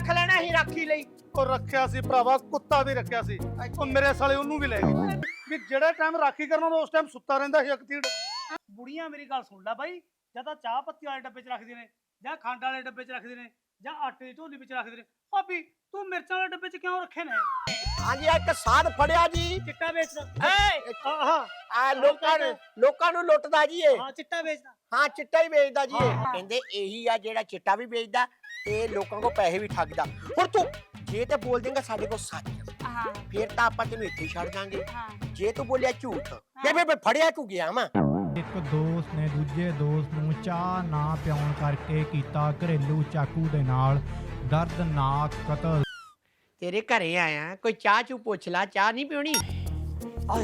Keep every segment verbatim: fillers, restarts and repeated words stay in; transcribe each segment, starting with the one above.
ਰੱਖ ਲੈਣਾ ਸੀ ਰਾਖੀ ਲਈ। ਉਹ ਰੱਖਿਆ ਸੀ ਭਰਾਵਾ, ਕੁੱਤਾ ਵੀ ਰੱਖਿਆ ਸੀ। ਉਹ ਮੇਰੇ ਸਾਲੇ ਉਹਨੂੰ ਵੀ ਲੈ ਗਏ ਵੀ ਜਿਹੜਾ ਟਾਈਮ ਰਾਖੀ ਕਰਨਾ ਉਸ ਟਾਈਮ ਸੁੱਤਾ ਰਹਿੰਦਾ ਸੀ ਅਕਤੀੜ। ਬੁੜੀਆਂ ਮੇਰੀ ਗੱਲ ਸੁਣ ਲੈ ਬਾਈ, ਜਾਂ ਤਾਂ ਚਾਹ ਪੱਤੀ ਵਾਲੇ ਡੱਬੇ 'ਚ ਰੱਖਦੇ ਨੇ, ਜਾਂ ਖੰਡ ਵਾਲੇ ਡੱਬੇ 'ਚ ਰੱਖਦੇ ਨੇ, ਜਾਂ ਆਟੇ ਦੀ ਢੋਲੀ ਵਿੱਚ ਰੱਖਦੇ ਨੇ। ਭਾਬੀ ਤੂੰ ਮਿਰਚਾਂ ਵਾਲੇ ਡੱਬੇ 'ਚ ਕਿਉਂ ਰੱਖੇ ਨੇ? ਹਾਂਜੀ ਇੱਕ ਸਾਧ ਫੜਿਆ ਜੀ, ਚਿੱਟਾ ਵੇਚਦਾ। ਏ ਆਹਾ ਆ ਲੋਕਾਂ ਨੂੰ ਲੋਕਾਂ ਨੂੰ ਲੁੱਟਦਾ ਜੀ ਇਹ। ਹਾਂ ਚਿੱਟਾ ਵੇਚਦਾ। ਹਾਂ ਚਿੱਟਾ ਹੀ ਵੇਚਦਾ ਜੀ ਇਹ। ਹਾਂ। ਕਹਿੰਦੇ ਇਹੀ ਆ ਜਿਹੜਾ ਚਿੱਟਾ ਵੀ ਵੇਚਦਾ ਤੇ ਲੋਕਾਂ ਕੋਲ ਪੈਸੇ ਵੀ ਠੱਗਦਾ। ਹੁਣ ਤੂੰ ਜੇ ਤੇ ਬੋਲ ਦੇਂਗਾ ਸਾਡੇ ਕੋਲ ਸੱਚ, ਹਾਂ ਫਿਰ ਤਾਂ ਆਪਾਂ ਤੈਨੂੰ ਇੱਥੇ ਹੀ ਛੱਡ ਦਾਂਗੇ। ਹਾਂ ਜੇ ਤੂੰ ਬੋਲਿਆ ਝੂਠ ਤੇ ਫਿਰ ਫੜਿਆ ਤੂੰ ਗਿਆ ਵਾ। ਇੱਕ ਦੋਸਤ ਨੇ ਦੂਜੇ ਦੋਸਤ ਨੂੰ ਚਾਹ ਨਾ ਪਿਆਉਣ ਕਰਕੇ ਕੀਤਾ ਘਰੇਲੂ ਚਾਕੂ ਦੇ ਨਾਲ ਦਰਦਨਾਕ ਕਤਲ। ਤੇਰੇ ਘਰੇ ਆਇਆ, ਕੋਈ ਚਾਹ ਚੂ ਪੁੱਛ ਲਾ, ਚਾਹ ਨਹੀਂ ਪੀਣੀ। ਆਏ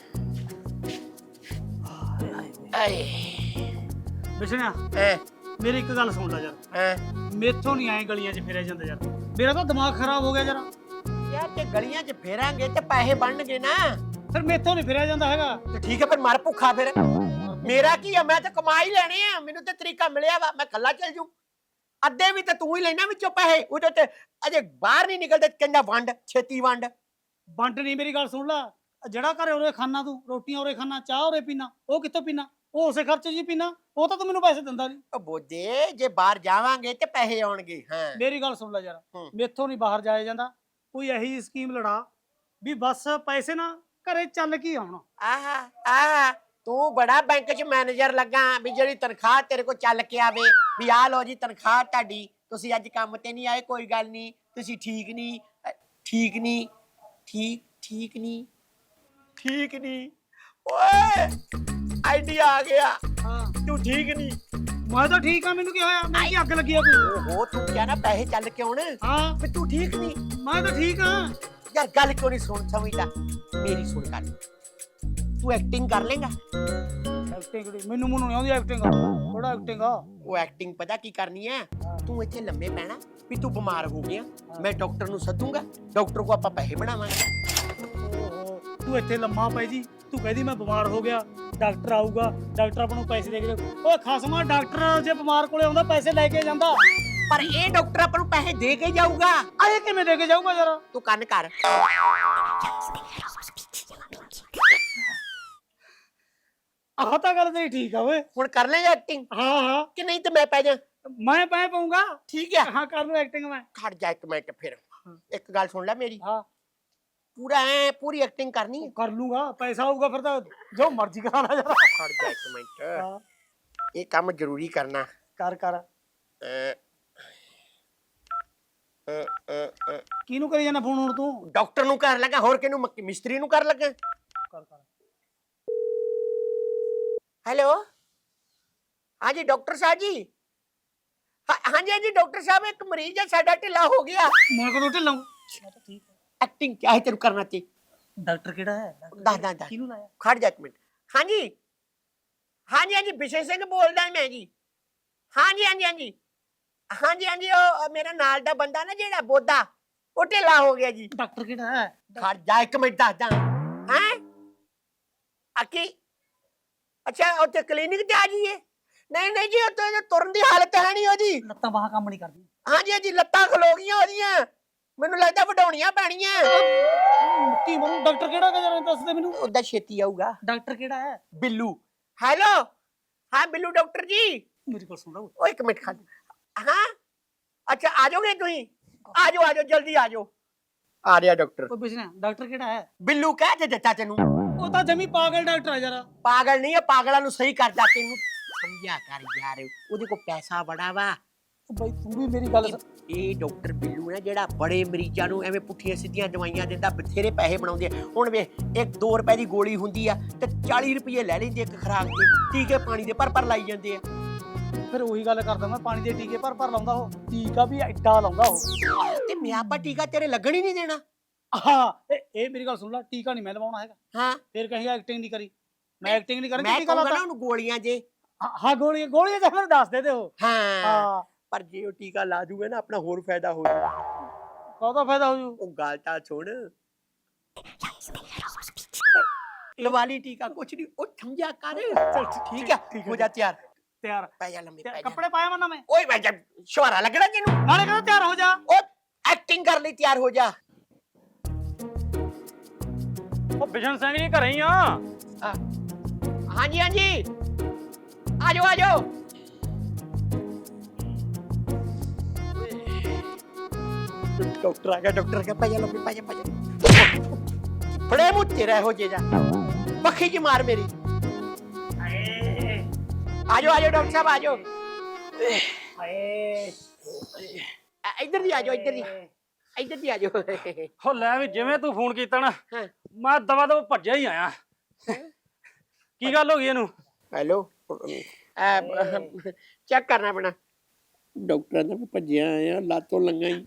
ਆਏ ਬਿਸ਼ਨਿਆ ਐ ਮੇਰੀ ਇੱਕ ਗੱਲ ਸੁਣ ਲੈ ਯਾਰ, ਐ ਮੇਥੋਂ ਨਹੀਂ ਆਏ ਗਲੀਆਂ 'ਚ ਫਿਰਿਆ ਜਾਂਦਾ ਯਾਰ। ਮੇਰਾ ਤਾਂ ਦਿਮਾਗ ਖਰਾਬ ਹੋ ਗਿਆ ਯਾਰ। ਯਾਰ ਤੇ ਗਲੀਆਂ 'ਚ ਫੇਰਾਂਗੇ ਤੇ ਪੈਸੇ ਬਣਨਗੇ ਨਾ। ਫਿਰ ਮੇਥੋਂ ਨਹੀਂ ਫਿਰਿਆ ਜਾਂਦਾ ਹੈਗਾ। ਤੇ ਠੀਕ ਹੈ ਫਿਰ ਮਰ ਭੁੱਖਾ ਫਿਰ। ਮੇਰਾ ਕੀ ਆ, ਮੈਂ ਤਾਂ ਕਮਾ ਹੀ ਲੈਣੇ ਆ। ਮੈਨੂੰ ਤੇ ਤਰੀਕਾ ਮਿਲਿਆ ਵਾ, ਮੈਂ ਕੱਲਾ ਚੱਲ ਜੂ। ਅੱਧੇ ਵੀ ਤੇ ਤੂੰ ਹੀ ਲੈਣਾ ਵਿੱਚੋਂ ਪੈਸੇ। ਉਹਦੇ ਤੇ ਅਜੇ ਬਾਹਰ ਨਹੀਂ ਨਿਕਲਦੇ, ਕਹਿੰਦਾ ਵੰਡ ਛੇਤੀ ਵੰਡ। ਵੰਡ ਨਹੀਂ, ਮੇਰੀ ਗੱਲ ਸੁਣ ਲੈ। ਜਿਹੜਾ ਘਰੇ ਉਰੇ ਖਾਣਾ, ਤੂੰ ਰੋਟੀਆਂ ਉਰੇ ਖਾਣਾ, ਚਾਹ ਉਰੇ ਪੀਣਾ, ਉਹ ਕਿੱਥੋਂ ਪੀਣਾ? ਉਹ ਉਸੇ ਖਰਚੇ 'ਚ ਹੀ ਪੀਣਾ। ਉਹ ਤਾਂ ਤੂੰ ਮੈਨੂੰ ਪੈਸੇ ਦਿੰਦਾ ਨਹੀਂ। ਉਹ ਬੋਦੇ ਜੇ ਬਾਹਰ ਜਾਵਾਂਗੇ ਤੇ ਪੈਸੇ ਆਉਣਗੇ। ਹਾਂ ਮੇਰੀ ਗੱਲ ਸੁਣ ਲੈ ਯਾਰ, ਹੂੰ। ਮੇਥੋਂ ਨਹੀਂ ਬਾਹਰ ਜਾਇਆ ਜਾਂਦਾ। ਕੋਈ ਇਹੀ ਸਕੀਮ ਲੜਾ ਵੀ ਬਸ ਪੈਸੇ ਨਾ ਘਰੇ ਚੱਲ ਕੇ ਆਉਣ। ਆਹਾ ਆਹ ਤੂੰ ਬੜਾ ਬੈਂਕ 'ਚ ਮੈਨੇਜਰ ਲੱਗਾ ਵੀ ਜਿਹੜੀ ਤਨਖਾਹ ਤੇਰੇ ਕੋਲ ਚੱਲ ਕੇ ਆਵੇ ਵੀ ਆਹ ਲਓ ਜੀ ਤਨਖਾਹ ਤੁਹਾਡੀ, ਤੁਸੀਂ ਅੱਜ ਕੰਮ ਤੇ ਨਹੀਂ ਆਏ, ਕੋਈ ਗੱਲ ਨਹੀਂ, ਤੁਸੀਂ ਠੀਕ ਨਹੀਂ ਅ, ਠੀਕ ਨਹੀਂ ਠੀਕ ਠੀਕ ਨਹੀਂ ਠੀਕ ਨਹੀਂ। ਓਏ ਆਈਡੀਆ ਆ ਗਿਆ। ਹਾਂ ਤੂੰ ਠੀਕ ਨਹੀਂ। ਮੈਂ ਤਾਂ ਠੀਕ ਆ, ਮੈਨੂੰ ਕੀ ਹੋਇਆ? ਮੈਨੂੰ ਕੀ ਅੱਗ ਲੱਗੀ ਆ ਕੋਈ? ਓਹੋ ਤੂੰ ਕਿਹਾ ਨਾ ਪੈਸੇ ਚੱਲ ਕੇ ਆਉਣ, ਹਾਂ ਵੀ ਤੂੰ ਠੀਕ ਨਹੀਂ। ਮੈਂ ਤਾਂ ਠੀਕ ਆ। ਯਾਰ ਗੱਲ ਕਿਉਂ ਨਹੀਂ ਸੁਣ ਸਮਝਦਾ? ਮੇਰੀ ਸੁਣ ਗੱਲ, ਤੂੰ ਐਕਟਿੰਗ ਕਰ ਲੇਗਾ? ਐਕਟਿੰਗ ਮੈਨੂੰ ਮੈਨੂੰ ਨਹੀਂ ਆਉਂਦੀ ਐਕਟਿੰਗ। ਥੋੜਾ ਐਕਟਿੰਗ ਆ। ਉਹ ਐਕਟਿੰਗ ਪਤਾ ਕੀ ਕਰਨੀ ਹੈ? ਤੂੰ ਇੱਥੇ ਲੰਮੇ ਪੈਣਾ ਵੀ ਤੂੰ ਬਿਮਾਰ ਹੋ ਗਿਆ, ਮੈਂ ਡਾਕਟਰ ਨੂੰ ਸੱਦੂਗਾ, ਡਾਕਟਰ ਕੋ ਆਪਾਂ ਪੈਸੇ ਬਣਾਵਾਂਗੇ। ਓਹੋ ਤੂੰ ਇੱਥੇ ਲੰਮਾ ਪੈ ਜੀ, ਤੂੰ ਕਹਿੰਦੀ ਮੈਂ ਬਿਮਾਰ ਹੋ ਗਿਆ, ਡਾਕਟਰ ਆਊਗਾ, ਡਾਕਟਰ ਆਪਾਂ ਨੂੰ ਪੈਸੇ ਦੇ ਕੇ ਜਾਊ। ਓਏ ਖਸਮਾ, ਡਾਕਟਰ ਜੇ ਬਿਮਾਰ ਕੋਲੇ ਆਉਂਦਾ ਪੈਸੇ ਲੈ ਕੇ ਜਾਂਦਾ, ਪਰ ਇਹ ਡਾਕਟਰ ਆਪਾਂ ਨੂੰ ਪੈਸੇ ਦੇ ਕੇ ਜਾਊਗਾ। ਆਏ ਕਿਵੇਂ ਦੇ ਕੇ ਜਾਊਗਾ ਯਾਰ? ਤੂੰ ਕੰਨ ਕਰ। ਆਹ ਤਾਂ ਗੱਲ ਤੇਰੀ ਠੀਕ ਆ ਓਏ। ਹੁਣ ਕਰ ਲੈ ਐਕਟਿੰਗ ਹਾਂ ਹਾਂ ਕਿ ਨਹੀਂ ਤੇ ਮੈਂ ਪੈ ਜਾ। ਮੈਂ ਪੈ ਪਾਉਂਗਾ। ਠੀਕ ਹੈ ਹਾਂ ਕਰ ਲੂ ਐਕਟਿੰਗ ਮੈਂ। ਖੜ ਜਾ ਇੱਕ ਮਿੰਟ ਫਿਰ। ਇੱਕ ਗੱਲ ਸੁਣ ਲੈ ਮੇਰੀ, ਹਾਂ ਪੂਰਾ ਐ ਪੂਰੀ ਐਕਟਿੰਗ ਕਰਨੀ ਹੈ। ਕਰ ਲੂੰਗਾ, ਪੈਸਾ ਆਊਗਾ ਫਿਰ ਤਾਂ ਜੋ ਮਰਜ਼ੀ ਕਰਾ ਲੈ ਯਾਰ। ਖੜ ਜਾ ਇੱਕ ਮਿੰਟ, ਹਾਂ ਇਹ ਕੰਮ ਜ਼ਰੂਰੀ ਕਰਨਾ। ਕਰ ਕਰ। ਅ, ਅ, ਅ, ਅ, ਕਿਹਨੂੰ ਕਰੀ ਜਾਣਾ ਫੋਨ ਹੁਣ ਤੂੰ? ਡਾਕਟਰ ਨੂੰ ਕਰ ਲੱਗਾ, ਹੋਰ ਕਿਹਨੂੰ? ਮੱਕੀ ਮਿਸਤਰੀ ਨੂੰ ਕਰ ਲੱਗਾ। ਕਰ ਕਰ। हेलो हाँ जी डॉक्टर साहब जी। हाँ हाँ जी हाँ जी डॉक्टर साहब, एक मरीज है साडा ढिला हो गया। ਮੈਂ ਕਦੋਂ ਢਿੱਲਾਂ? ਮੈਂ ਤਾਂ ਠੀਕ ਆ। एक्टिंग क्या है तेरे करना चाहिए? ਡਾਕਟਰ ਕਿਹੜਾ ਹੈ? ਦੱਸ ਦੱਸ ਦੱਸ। ਕਿਹਨੂੰ ਲਾਇਆ? खड़ जा एक मिनट। हाँ जी हाँ जी हाँ जी बिशे सिंह बोलदा मैं जी। हाँ जी हाँ जी हाँ जी हाँ जी हाँ जी ओ मेरा नाल दा बंदा ना जेड़ा बोधा, वो ढिला हो गया जी। ਡਾਕਟਰ ਕਿਹੜਾ ਹੈ? खड़ जा एक मिनट दस दा। हैं अकी अच्छा उत्ते क्लिनिक ते आ जाइए? नहीं नहीं जी उत्ते तुरन दी हालत है नहीं ओदी। ਲੱਤਾਂ ਬਾਹਾਂ ਕੰਮ ਨਹੀਂ ਕਰਦੀ। हाँ जी हाँ जी लत्तां खलो गईयां ओदियां, ਮੈਨੂੰ ਲੱਗਦਾ ਵਡਾਉਣੀਆਂ ਪੈਣੀਆਂ। ਕੀ ਮਰੂ? ਡਾਕਟਰ ਕਿਹੜਾ ਹੈ ਜਰਾ ਦੱਸ ਦੇ ਮੈਨੂੰ। ਉਹਦਾ ਛੇਤੀ ਆਊਗਾ। ਡਾਕਟਰ ਕਿਹੜਾ ਹੈ? ਬਿੱਲੂ। ਹੈਲੋ ਹਾਂ ਬਿੱਲੂ ਡਾਕਟਰ ਜੀ। ਮੇਰੀ ਕੋਲ ਸੁਣ ਲਓ। ਓ ਇੱਕ ਮਿੰਟ ਖੜ। ਹਾਂ ਅੱਛਾ ਆ ਜਾਓਗੇ ਤੁਸੀਂ? ਆ ਜਾਓ ਆ ਜਾਓ ਜਲਦੀ ਆ ਜਾਓ। ਆ ਰਿਹਾ ਡਾਕਟਰ। ਕੋਈ ਪੁੱਛਣਾ ਡਾਕਟਰ ਕਿਹੜਾ ਹੈ? ਬਿੱਲੂ ਕਹਿ ਤੇ ਦਿੱਤਾ ਤੈਨੂੰ। ਉਹ ਤਾਂ ਜਮੀ ਪਾਗਲ ਡਾਕਟਰ ਆ ਯਾਰ। ਪਾਗਲ ਨਹੀਂ ਹੈ, ਪਾਗਲਾਂ ਨੂੰ ਸਹੀ ਕਰਦਾ। ਤੈਨੂੰ ਸਮਝਿਆ ਕਰ ਯਾਰ, ਉਹਦੇ ਕੋਲ ਪੈਸਾ ਬੜਾ ਵਾ। ਬਈ ਤੂੰ ਵੀ ਮੇਰੀ ਗੱਲ ਸੁਣ। ਇਹ ਡਾਕਟਰ ਬਿੱਲੂ ਹੈ ਜਿਹੜਾ ਬੜੇ ਮਰੀਜ਼ਾਂ ਨੂੰ ਐਵੇਂ ਪੁੱਠੀਆਂ ਸਿੱਧੀਆਂ ਦਵਾਈਆਂ ਦਿੰਦਾ, ਬਥੇਰੇ ਪੈਸੇ ਬਣਾਉਂਦੇ ਆ। ਹੁਣ ਵੇ ਇੱਕ ਦੋ ਰੁਪਏ ਦੀ ਗੋਲੀ ਹੁੰਦੀ ਆ ਤੇ ਚਾਲੀ ਰੁਪਏ ਲੈ ਲੈਂਦੇ ਇੱਕ ਖੁਰਾਕ ਦੇ। ਟੀਕੇ ਪਾਣੀ ਦੇ ਪਰ ਪਰ ਲਾਈ ਜਾਂਦੇ ਆ। ਫਿਰ ਉਹੀ ਗੱਲ ਕਰਦਾ ਮੈਂ, ਪਾਣੀ ਦੇ ਟੀਕੇ ਭਰ ਭਰ ਲਾਉਂਦਾ ਉਹ, ਟੀਕਾ ਵੀ ਐਡਾ ਲਾਉਂਦਾ ਉਹ। ਤੇ ਮਿਆਪਾ ਟੀਕਾ ਤੇਰੇ ਲੱਗਣ ਹੀ ਨਹੀਂ ਦੇਣਾ। ਹਾਂ ਇਹ ਇਹ ਮੇਰੀ ਗੱਲ ਸੁਣ ਲੈ, ਟੀਕਾ ਨਹੀਂ ਮੈਂ ਲਵਾਉਣਾ ਹੈਗਾ। ਹਾਂ ਫਿਰ ਕਹੇਗਾ ਐਕਟਿੰਗ ਨਹੀਂ ਕਰੀ। ਮੈਂ ਐਕਟਿੰਗ ਨਹੀਂ ਕਰਨੀ, ਮੈਂ ਟੀਕਾ ਕਹੂੰਗਾ ਨਾ ਲਾਤਾ। ਉਹਨੂੰ ਗੋਲੀਆਂ ਜੇ। ਹਾਂ ਗੋਲੀਆਂ ਗੋਲੀਆਂ ਤਾਂ ਮੈਨੂੰ ਦੱਸ ਦੇ ਦੇ ਉਹ। ਹਾਂ ਹਾਂ ਪਰ ਜੇ ਉਹ ਟੀਕਾ ਲਾ ਦੂਗਾ ਨਾ ਆਪਣਾ ਹੋਰ ਫਾਇਦਾ ਹੋ ਜਾਊ। ਕਾਹਦਾ ਫਾਇਦਾ ਹੋ ਜੂ? ਉਹ ਗੱਲ ਤਾਂ ਸੁਣ, ਲਵਾ ਲਈ ਟੀਕਾ ਕੁਛ ਨਹੀਂ। ਉਹ ਸਮਝਿਆ ਕਰ। ਚਲ ਠੀਕ ਹੈ ਹੋ ਜਾ ਤਿਆਰ। ਤਿਆਰ ਪੈ ਜਾ ਲੰਮੇ ਪੈ ਜਾ। ਕੱਪੜੇ ਪਾਇਆ ਮਨਾ ਮੈਂ? ਓਏ ਮੈਂ ਜਬ ਸ਼ਵਾਰਾ ਲੱਗਣਾ ਤੈਨੂੰ। ਨਾਲੇ ਕਹਿੰਦਾ ਤਿਆਰ ਹੋ ਜਾ। ਉਹ ਤਿਆਰ ਹੋ ਜਾ। ਉਹ ਬਿਸ਼ਨ ਸਿੰਘ ਜੀ ਘਰੇ ਹੀ ਆ। ਆ, ਹਾਂਜੀ ਹਾਂਜੀ ਆ ਜਾਓ ਆ ਜਾਓ। ਡਾਕਟਰ ਆ ਗਿਆ ਡਾਕਟਰ ਕੇ ਪਾਜਾ ਲੰਬੀ ਪਾਜਾ ਪਾਜਾ ਫੜੇ ਮੂੰਹ ਤੇਰਾ ਹੋ ਜੇ ਜਾ ਪੱਖੀ ਚ ਮਾਰ ਮੇਰੀ। ਆ ਜਾਓ ਆ ਜਾਓ ਡਾਕਟਰ ਸਾਹਿਬ ਆ ਜਾਓ। ਅ- ਇੱਧਰ ਦੀ ਆ ਜਾਓ ਇੱਧਰ ਦੀ ਇੱਧਰ ਦੀ ਆ ਜਾਓ। ਉਹ ਲੈ ਵੀ ਜਿਵੇਂ ਤੂੰ ਫੋਨ ਕੀਤਾ ਨਾ ਹਾਂ। ਮੈਂ ਦਵਾ ਦਵਾ ਭੱਜਿਆ ਹੀ ਆਇਆ। ਕੀ ਗੱਲ ਹੋ ਗਈ ਇਹਨੂੰ? ਹੈਲੋ ਚੈੱਕ ਕਰਨਾ ਪੈਣਾ। ਡਾਕਟਰਾਂ ਦਾ ਭੱਜਿਆ ਆਇਆ ਲਾਤੋਂ ਲੰਗਾ ਹੀ।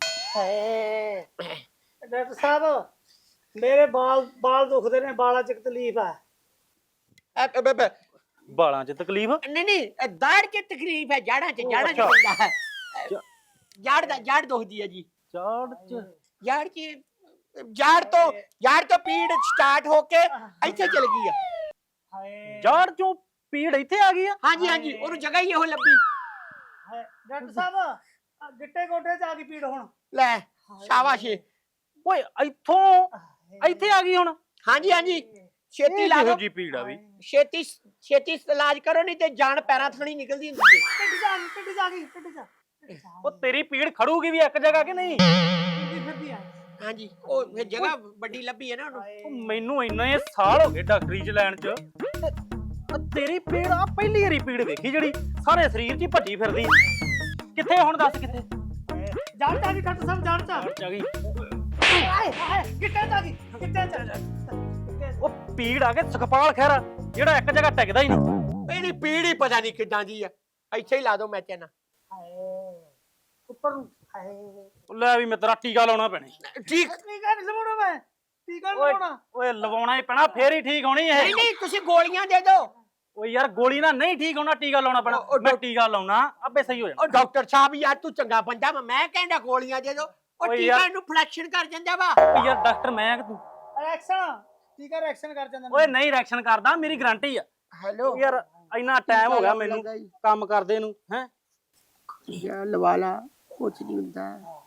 ਡਾਕਟਰ ਸਾਹਿਬ ਮੇਰੇ ਬਾਲ ਬਾਲ ਦੁਖਦੇ ਨੇ, ਬਾਲਾਂ 'ਚ ਤਕਲੀਫ ਆ। ਅ, ਬ- ਬ- ਬਾਲਾਂ 'ਚ ਤਕਲੀਫ? ਨਹੀਂ ਨਹੀਂ ਅ, ਦਾੜ 'ਚ ਤਕਲੀਫ ਹੈ, ਜਾੜਾਂ 'ਚ ਜਾੜਾਂ 'ਚ ਅੱਛਾ। ਪੈਂਦਾ ਹੈ। ਅ, ਜਾੜ ਦਾ ਜਾੜ ਦੁਖਦੀ ਹੈ ਜੀ। ਚਾੜ 'ਚ? ਜਾੜ 'ਚ ਜਾੜ ਤੋਂ ਜਾੜ ਤੋਂ ਪੀੜ ਸਟਾਰਟ ਹੋ ਕੇ ਇੱਥੇ ਚਲ ਗਈ ਆ। ਜਾੜ 'ਚੋਂ ਪੀੜ ਇੱਥੇ ਆ ਗਈ ਆ? ਹਾਂਜੀ ਹਾਂਜੀ ਉਹਨੂੰ ਜਗ੍ਹਾ ਹੀ ਇਹੋ ਲੱਭੀ। ਡਾਕਟਰ ਸਾਹਿਬ ਗਿੱਟੇ ਗੋਡੇ 'ਚ ਆ ਗਈ ਪੀੜ ਹੁਣ। ਲੈ ਸ਼ਾਬਾਸ਼। ਓਏ ਇੱਥੋਂ ਇੱਥੇ ਆ ਗਈ ਹੁਣ? ਹਾਂਜੀ ਹਾਂਜੀ ਛੇਤੀ ਲਾ ਇਹੋ ਦਿਓ, ਜੀ ਪੀੜ ਆ ਵੀ। ਛੇਤੀ ਛੇਤੀ ਇਲਾਜ ਕਰੋ ਨਹੀਂ ਤੇ ਜਾਨ ਪੈਰਾਂ ਥਣੀ ਨਿਕਲਦੀ ਹੁੰਦੀ ਹੈ। ਟਿੱਡ ਜਾ ਟਿੱਡ ਜਾ ਗਈ ਟਿੱਡ ਜਾ ਉਹ ਤੇਰੀ ਪੀੜ ਖੜੂਗੀ ਵੀ ਇੱਕ ਜਗ੍ਹਾ ਕਿ ਨਹੀਂ? ਫਿਰਦੀ ਫਿਰਦੀ ਆ। ਹਾਂਜੀ ਉਹ ਫਿਰ ਜਗ੍ਹਾ ਵੱਡੀ ਲੱਭੀ ਹੈ ਨਾ ਉਹਨੂੰ। ਉਹ ਮੈਨੂੰ ਇੰਨੇ ਸਾਲ ਹੋ ਗਏ ਡਾਕਟਰੀ 'ਚ ਲੈਣ 'ਚ, ਤੇ ਆਹ ਤੇਰੀ ਪੀੜ ਆ ਪਹਿਲੀ ਵਾਰੀ ਪੀੜ ਵੇਖੀ ਜਿਹੜੀ ਸਾਰੇ ਸਰੀਰ 'ਚ ਹੀ ਭੱਜੀ ਫਿਰਦੀ। ਕਿੱਥੇ ਹੁਣ ਦੱਸ ਕਿੱਥੇ? ਜੜ 'ਚ ਆ ਗਈ ਡਾਕਟਰ ਸਾਹਿਬ, ਜੜ 'ਚ ਜਾੜ 'ਚ ਆ ਗਈ। ਆਏ ਆਏ ਗਿੱਟੇ 'ਚ ਆ ਗਈ ਗਿੱਟੇ 'ਚ। ਉਹ ਪੀੜ ਆ ਕੇ ਸੁਖਪਾਲ ਖਹਿਰਾ ਜਿਹੜਾ ਇੱਕ ਜਗ੍ਹਾ ਟਿਕਦਾ ਹੀ ਨਹੀਂ। ਇਹਦੀ ਪੀੜ ਹੀ ਪਤਾ ਨਹੀਂ ਕਿੱਦਾਂ ਦੀ ਆ। ਇੱਥੇ ਹੀ ਲਾ ਦੋ ਮੈਚਾਂ ਨਾਲ। ਉੱਪਰ ਨੂੰ ਹਾਏ ਉਹ ਲੈ ਵੀ ਮੈਂ ਤੇਰਾ ਟੀਕਾ ਲਾਉਣਾ ਪੈਣਾ ਈ। ਠੀਕ ਟੀਕਾ ਨਹੀਂ ਲਵਾਉਣਾ ਮੈਂ, ਟੀਕਾ ਨਹੀਂ ਓਏ ਲਵਾਉਣਾ। ਓਏ ਲਵਾਉਣਾ ਹੀ ਪੈਣਾ ਫੇਰ ਹੀ ਠੀਕ ਹੋਣੀ ਇਹ। ਨਹੀਂ ਨਹੀਂ ਤੁਸੀਂ ਗੋਲੀਆਂ ਦੇ ਦਿਓ। ਓਏ ਯਾਰ ਗੋਲੀ ਨਾਲ ਨਹੀਂ ਠੀਕ ਹੋਣਾ, ਟੀਕਾ ਲਾਉਣਾ ਪੈਣਾ। ਉਹ- ਉਹ ਮੈਂ ਟੀਕਾ ਲਾਉਣਾ ਆਪੇ ਸਹੀ ਹੋ ਜਾਣਾ। ਉਹ ਡਾਕਟਰ ਸਾਹਿਬ ਯਾਰ ਤੂੰ ਚੰਗਾ ਬੰਦਾ ਵਾ, ਮੈਂ ਕਹਿੰਦਾ ਗੋਲੀਆਂ ਦੇ ਦਿਓ। ਉਹ ਓਏ ਟੀਕਾ ਯਾਰ- ਇਹਨੂੰ ਫਲੈਕਸ਼ਨ ਕਰ ਜਾਂਦਾ ਵਾ। ਓਏ ਯਾਰ ਡਾਕਟਰ ਮੈਂ ਕਿ ਤੂੰ? ਰਿਐਕਸ਼ਨ ਟੀਕਾ ਰਿਐਕਸ਼ਨ ਕਰ ਜਾਂਦਾ। ਓਏ ਨਹੀਂ ਰਿਐਕਸ਼ਨ ਕਰਦਾ, ਮੇਰੀ ਗਾਰੰਟੀ ਆ। ਹੈਲੋ ਯਾਰ ਇੰਨਾ ਟਾਈਮ ਹੋ ਗਿਆ ਮੈਨੂੰ ਕੰਮ ਕਰਦੇ ਨੂੰ ਹੈ। ਯਾਰ ਲਵਾ ਲਾ ਕੁਛ ਨਹੀਂ ਹੁੰਦਾ।